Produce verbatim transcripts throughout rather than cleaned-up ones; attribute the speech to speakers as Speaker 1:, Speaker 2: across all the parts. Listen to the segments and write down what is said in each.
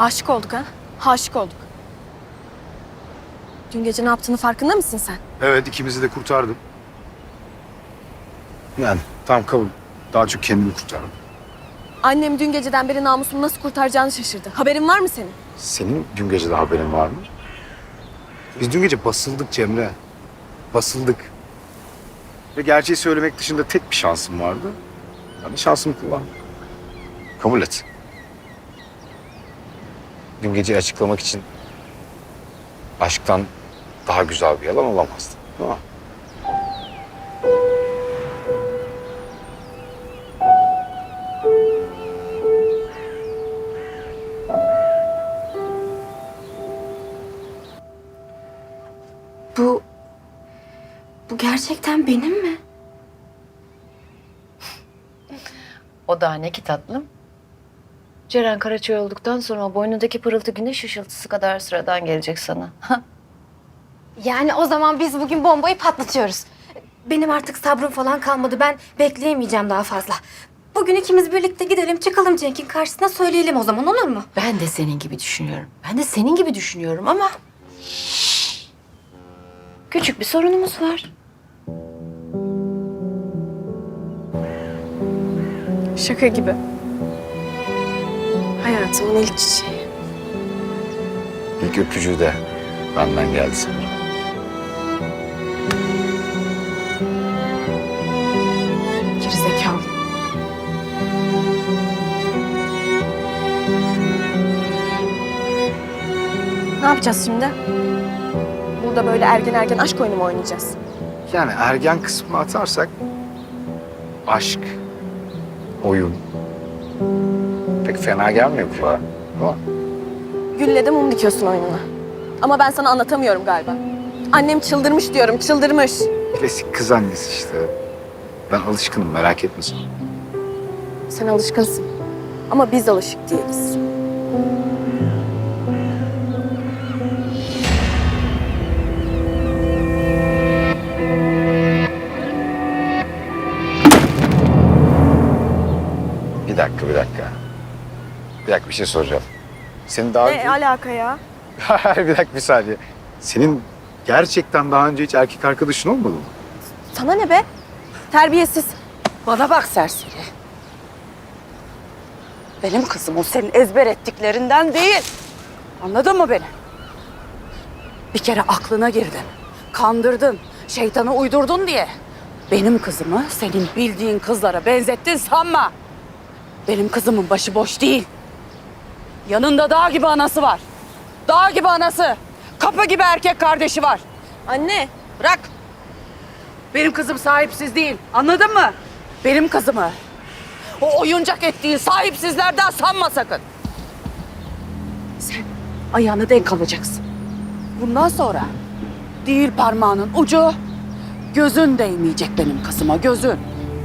Speaker 1: Aşık olduk ha? Aşık olduk. Dün gece ne yaptığını farkında mısın sen?
Speaker 2: Evet, ikimizi de kurtardım. Yani tam kabul. Daha çok kendimi kurtardım.
Speaker 1: Annem dün geceden beri namusumu nasıl kurtaracağını şaşırdı. Haberin var mı senin?
Speaker 2: Senin dün gece de haberin var mı? Biz dün gece basıldık Cemre. Basıldık. Ve gerçeği söylemek dışında tek bir şansım vardı. Ben de şansımı kullandım. Kabul et. Dün geceyi açıklamak için aşktan daha güzel bir yalan olamazdı. Değil mi?
Speaker 3: Bu... Bu gerçekten benim mi?
Speaker 4: O daha ne ki tatlım? Ceren Karaçay olduktan sonra o boynundaki pırıltı güneş ışıltısı kadar sıradan gelecek sana.
Speaker 3: Yani o zaman biz bugün bombayı patlatıyoruz. Benim artık sabrım falan kalmadı. Ben bekleyemeyeceğim daha fazla. Bugün ikimiz birlikte gidelim, çıkalım Cenk'in karşısına söyleyelim o zaman, olur mu?
Speaker 4: Ben de senin gibi düşünüyorum. Ben de senin gibi düşünüyorum ama... Küçük bir sorunumuz var.
Speaker 1: Şaka gibi. Hayatımın ilk çiçeği.
Speaker 2: İlk öpücüğü de benden geldi sanırım.
Speaker 1: Gerizekalı. Ne yapacağız şimdi? Burada böyle ergen ergen aşk oyunu mu oynayacağız?
Speaker 2: Yani ergen kısmını atarsak aşk, oyun pek fena gelmiyor kulağa. Ama
Speaker 1: Gülle de mum dikiyorsun oyununa. Ama ben sana anlatamıyorum galiba. Annem çıldırmış diyorum, çıldırmış.
Speaker 2: klasik kız annesi işte. Ben alışkınım, merak etme sen.
Speaker 1: Sen alışkınsın. Ama biz alışık değiliz.
Speaker 2: Bir dakika, bir dakika. Bir dakika, bir şey soracağım. Senin daha
Speaker 1: Ne
Speaker 2: önce...
Speaker 1: alaka ya?
Speaker 2: bir dakika, bir saniye. Senin gerçekten daha önce hiç erkek arkadaşın olmadı mı?
Speaker 1: Sana ne be? Terbiyesiz.
Speaker 5: Bana bak serseri. Benim kızım o senin ezber ettiklerinden değil. Anladın mı beni? Bir kere aklına girdin. Kandırdın. Şeytana uydurdun diye. Benim kızımı senin bildiğin kızlara benzettin sanma. Benim kızımın başı boş değil. Yanında dağ gibi anası var. Dağ gibi anası. Kapı gibi erkek kardeşi var.
Speaker 1: Anne.
Speaker 5: Bırak. Benim kızım sahipsiz değil. Anladın mı? Benim kızımı o oyuncak ettiğin sahipsizlerden sanma sakın. Sen ayağını denk alacaksın. Bundan sonra değil parmağının ucu, gözün değmeyecek benim kızıma, gözün.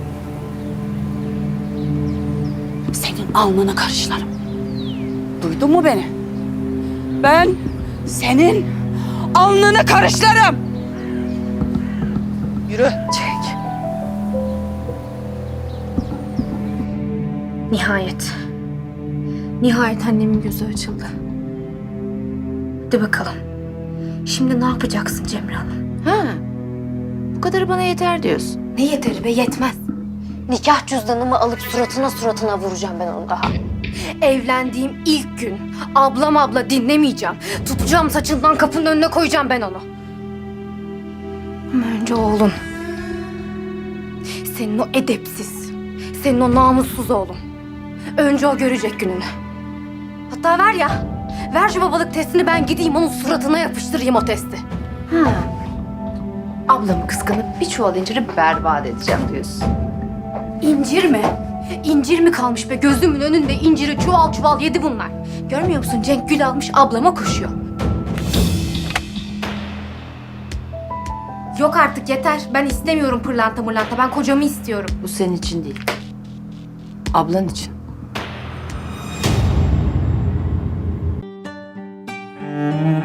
Speaker 5: Senin alnını karışlarım. Duydun mu beni? Ben senin alnını karışlarım. Yürü.
Speaker 3: Cenk. Nihayet. Nihayet annemin gözü açıldı. Hadi bakalım. Şimdi ne yapacaksın Cemre Hanım?
Speaker 4: Ha, bu kadarı bana yeter diyorsun.
Speaker 3: Ne yeteri be, yetmez. Nikah cüzdanımı alıp suratına suratına vuracağım ben onu daha. Evlendiğim ilk gün ablam abla dinlemeyeceğim. Tutacağım saçından, kapının önüne koyacağım ben onu. Ama önce oğlun. Senin o edepsiz, senin o namussuz oğlun. Önce o görecek gününü. Hatta ver ya, ver şu babalık testini, ben gideyim onun suratına yapıştırayım o testi.
Speaker 4: Ha. Ablamı kıskanıp bir çuval inciri berbat edeceğim diyorsun.
Speaker 3: İncir mi? İncir mi kalmış be? Gözümün önünde inciri çuval çuval yedi bunlar. Görmüyor musun? Cenk gül almış ablama koşuyor. Yok artık, yeter. Ben istemiyorum pırlanta mırlanta. Ben kocamı istiyorum.
Speaker 4: Bu senin için değil. Ablan için.
Speaker 2: Hmm.